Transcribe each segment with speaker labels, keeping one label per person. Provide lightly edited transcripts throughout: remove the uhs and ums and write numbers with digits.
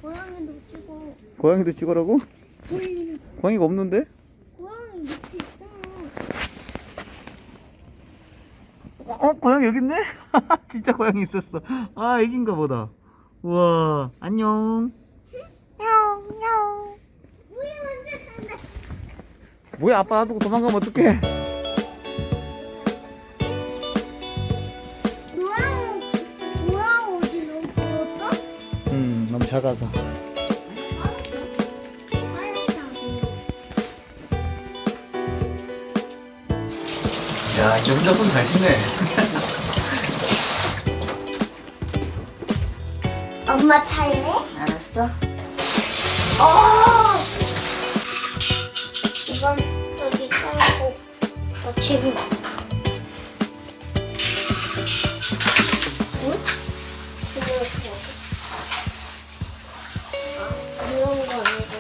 Speaker 1: 고양이도 찍어.
Speaker 2: 고양이도 찍으라고?
Speaker 1: 고양이는
Speaker 2: 고양이가 없는데?
Speaker 1: 고양이 밑에 있잖아.
Speaker 2: 고양이 여기 있네? 진짜 고양이 있었어. 아, 애기인가 보다. 우와, 안녕. 야옹.
Speaker 1: 우리 먼저 간다.
Speaker 2: 뭐야, 아빠 놔두고 도망가면 어떡해?
Speaker 1: 고양이 어디 너무 보였어?
Speaker 2: 너무 작아서. 야, 이제 혼자 손 잘 씻네.
Speaker 1: 엄마 차례?
Speaker 3: 알았어.
Speaker 1: 이건 여기 깔고 받치고. 응? 이런 거 아니고.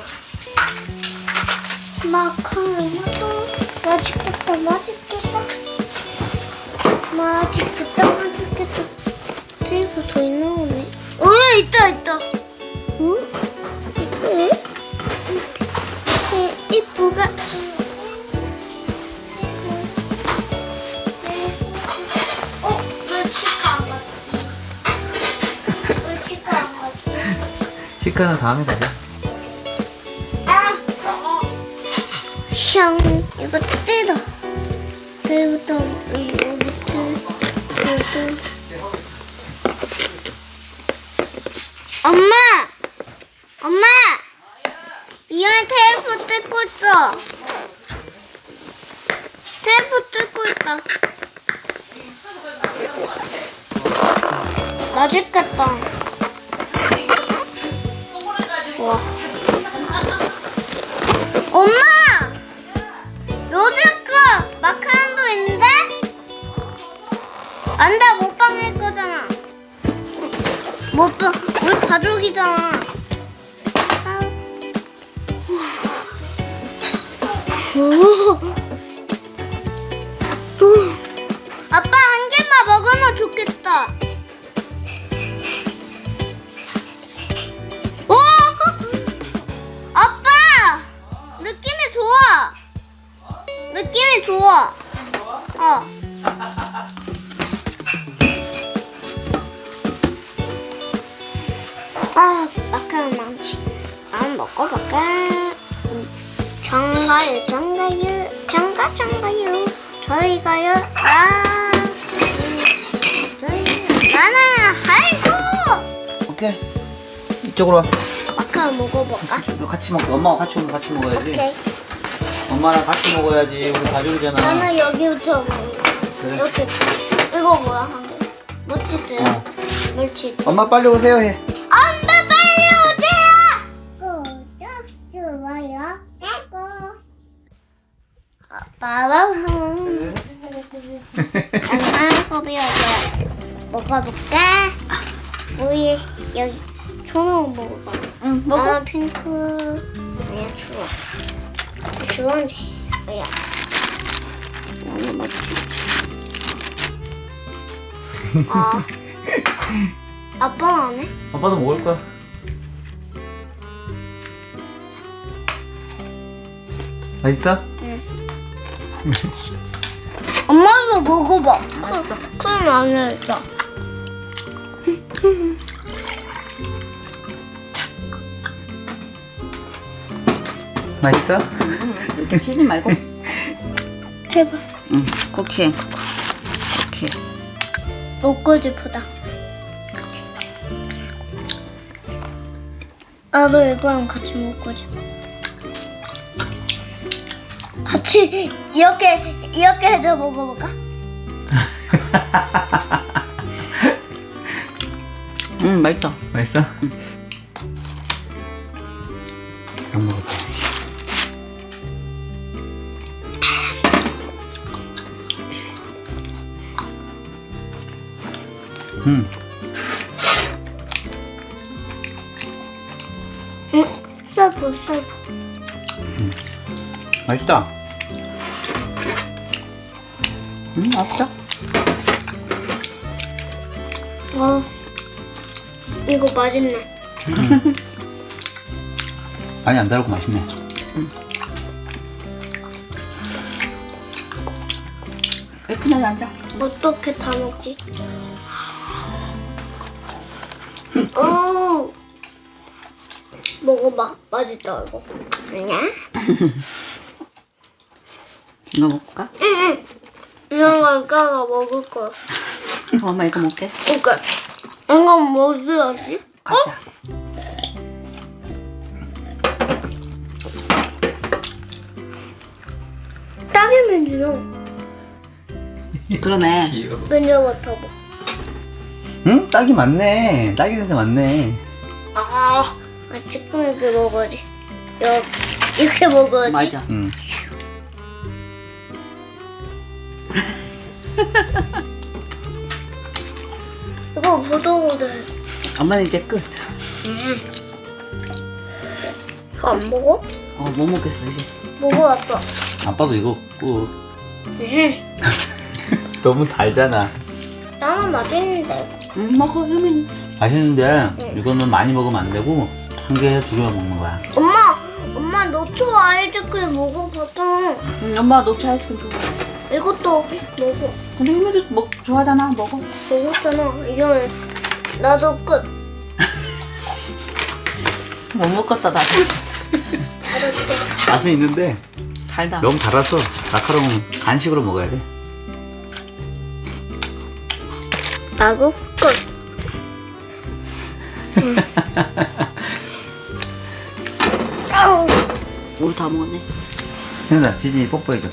Speaker 1: 마카로니도 맛있겠다, 맛있겠다. 맛있겠다. 테이프 더 나오네. 있다. 응? 이쁘가. 왜 치과 안 갔지?
Speaker 2: 치과는 다음에 가자.
Speaker 1: 샹, 이거 떼다. 이거 밑에. 엄마! 이현이 테이프 뜯고 있어. 테이프 뜯고 있다. 맛있겠다. 와. 엄마! 요즘 거 마카롱도 있는데? 안 돼, 먹방 할 거잖아. 먹방, 우리 가족이잖아. 아빠 한 개만 먹으면 좋겠다. 오! 아빠! 느낌이 좋아. 마카롱 많지. 한번 먹어볼까? 장가요. 저희가요. 나는 하이쿠.
Speaker 2: 오케이. 이쪽으로 와.
Speaker 1: 마카롱 먹어볼까?
Speaker 2: 같이 먹자. 엄마가 같이 오면 같이 먹어야지.
Speaker 1: 오케이.
Speaker 2: 엄마랑 같이 먹어야지. 우리 가족이잖아.
Speaker 1: 나는 여기부터 먹어.
Speaker 2: 그래.
Speaker 1: 이렇게. 이거 뭐야, 한 개? 멋지지? 멸치.
Speaker 2: 엄마 빨리 오세요 해.
Speaker 1: 엄마 빨리 오세요. 구독 좋아요. 빠바밤. 엄마 고비 어디야? 먹어볼까? 우리 여기 초록 먹어봐.
Speaker 3: 응, 먹어.
Speaker 1: 나는 핑크. 아니야 주황. 주황색. 아야. 나는 먹지. 아빠는 안 해?
Speaker 2: 아빠도 먹을 거야. 맛있어?
Speaker 1: 엄마도 먹어봐.
Speaker 3: 알았어.
Speaker 1: 그럼 안 해야겠다.
Speaker 2: 맛있어?
Speaker 3: 이렇게 치지 말고.
Speaker 1: 제발.
Speaker 3: 응, 쿠키.
Speaker 1: 먹고 싶다. 나도 이거랑 같이 먹고 싶어. 같이 이렇게 해서 먹어볼까?
Speaker 3: 응, 맛있다.
Speaker 2: 맛있어? 안 먹어봐야지.
Speaker 1: 썰보.
Speaker 2: 맛있다.
Speaker 3: 없어?
Speaker 1: 이거 맛있네.
Speaker 2: 많이 안 달고 맛있네.
Speaker 3: 애플하게 앉아.
Speaker 1: 어떻게 다 먹지? 먹어봐. 맛있다 이거. 아니야?
Speaker 3: 이거 먹을까?
Speaker 1: 응. 이런 건 까가 먹을 거야.
Speaker 3: 그럼 엄마 이거 먹게.
Speaker 1: 그러니까 이건 뭐 들었지?
Speaker 3: 가자.
Speaker 1: 딸기 민주는
Speaker 3: 그러네.
Speaker 2: 귀여워.
Speaker 1: 먼저 맡아봐.
Speaker 2: 응? 딸기 맞네. 딸기 냄새 맞네.
Speaker 1: 조금 이렇게 먹어야지. 이렇게 먹어야지.
Speaker 3: 맞아.
Speaker 2: 응.
Speaker 1: 이거 보도보드.
Speaker 3: 엄마는 이제 끝.
Speaker 1: 이거 안 먹어?
Speaker 3: 못 먹겠어 이제.
Speaker 1: 먹어봤어.
Speaker 2: 아빠도 이거 꾹. 너무 달잖아.
Speaker 1: 나는 맛있는데.
Speaker 3: 먹어 효민이.
Speaker 2: 맛있는데 이거는 많이 먹으면 안 되고 한 개, 두 개만 먹는 거야.
Speaker 1: 엄마 노초 아이스크림 먹어봤잖아.
Speaker 3: 엄마 녹차 아이스크림 좋아.
Speaker 1: 이것도 먹어.
Speaker 3: 근데 효민이도 좋아하잖아. 먹어.
Speaker 1: 먹었잖아. 이거는 나도 끝.
Speaker 3: 못 먹겠다 나도.
Speaker 1: 알았어.
Speaker 2: 맛은 있는데
Speaker 3: 달다.
Speaker 2: 너무 달아서 마카롱은 간식으로 먹어야 돼.
Speaker 1: 나도 끝. 아우.
Speaker 3: 우리 다 먹었네.
Speaker 2: 현아, 지진이 뽀뽀해줘.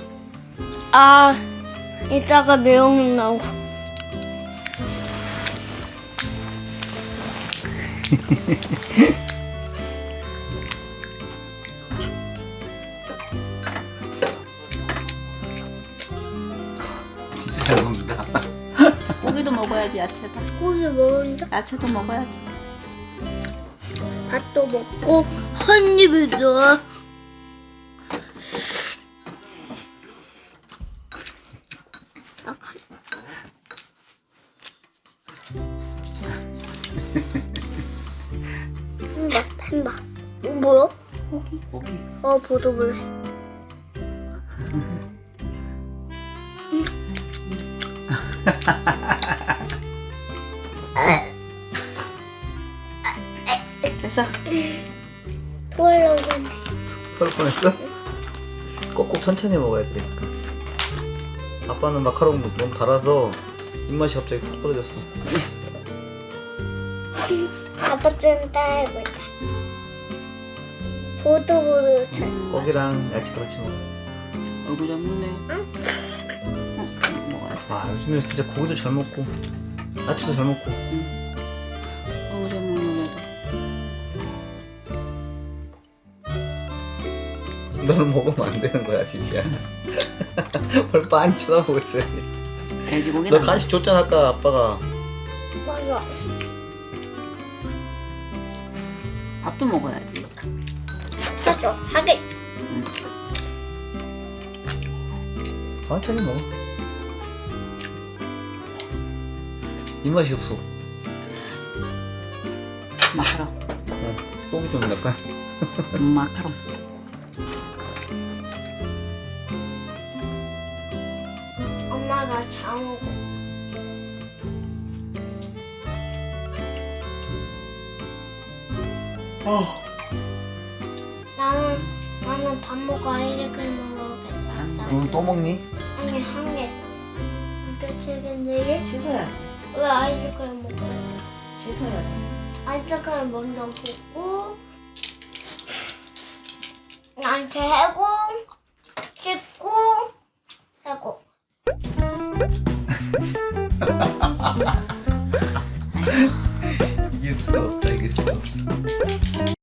Speaker 1: 이따가 매운맛 나오고.
Speaker 2: 진짜 잘 먹는다.
Speaker 3: 고기도 먹어야지 야채다.
Speaker 1: 고기 먹는다.
Speaker 3: 야채도 먹어야지.
Speaker 1: 밥도 먹고 한 입에 넣어. 햄밥. 이거 뭐야?
Speaker 2: 고기.
Speaker 1: 보도보네.
Speaker 3: 됐어.
Speaker 1: 토하려고 했네.
Speaker 2: 토할 뻔했어? 꼭꼭 천천히 먹어야 되니까. 아빠는 마카롱 너무 달아서 입맛이 갑자기 푹 떨어졌어.
Speaker 1: 아빠 좀 따라해보자. 보도보도 잘.
Speaker 2: 고기랑 야채도 같이 먹어.
Speaker 3: 얼굴 좀 먹네. 먹어야지.
Speaker 2: 요즘에 진짜 고기도 잘 먹고 야채도 잘 먹고.
Speaker 3: 얼굴 좀 먹는 애도.
Speaker 2: 너는 먹으면 안 되는 거야, 지지야. 뭘 빤히 쳐다보고 있어야 돼.
Speaker 3: 돼지고기.
Speaker 2: 너 간식 줬잖아, 아까 아빠가.
Speaker 1: 맞아.
Speaker 3: 밥도 먹어야지.
Speaker 1: 맞아. 하게.
Speaker 2: 천천히 먹어. 입맛이 없어.
Speaker 3: 마카롱.
Speaker 2: 속이 좀 약간.
Speaker 3: 마카롱.
Speaker 1: 엄마가 장어고. 나는 밥 먹고 아이스크림 먹어야겠다.
Speaker 2: 그럼 또 먹니?
Speaker 1: 아니 한 개. 도대체 네 개?
Speaker 3: 씻어야지.
Speaker 1: 왜 아이스크림 먹어야 돼?
Speaker 3: 씻어야 돼.
Speaker 1: 아이스크림 먼저 붓고 나한테 해고 씻고 해고.
Speaker 2: 이길 수가 없다, 이길 수가 없어.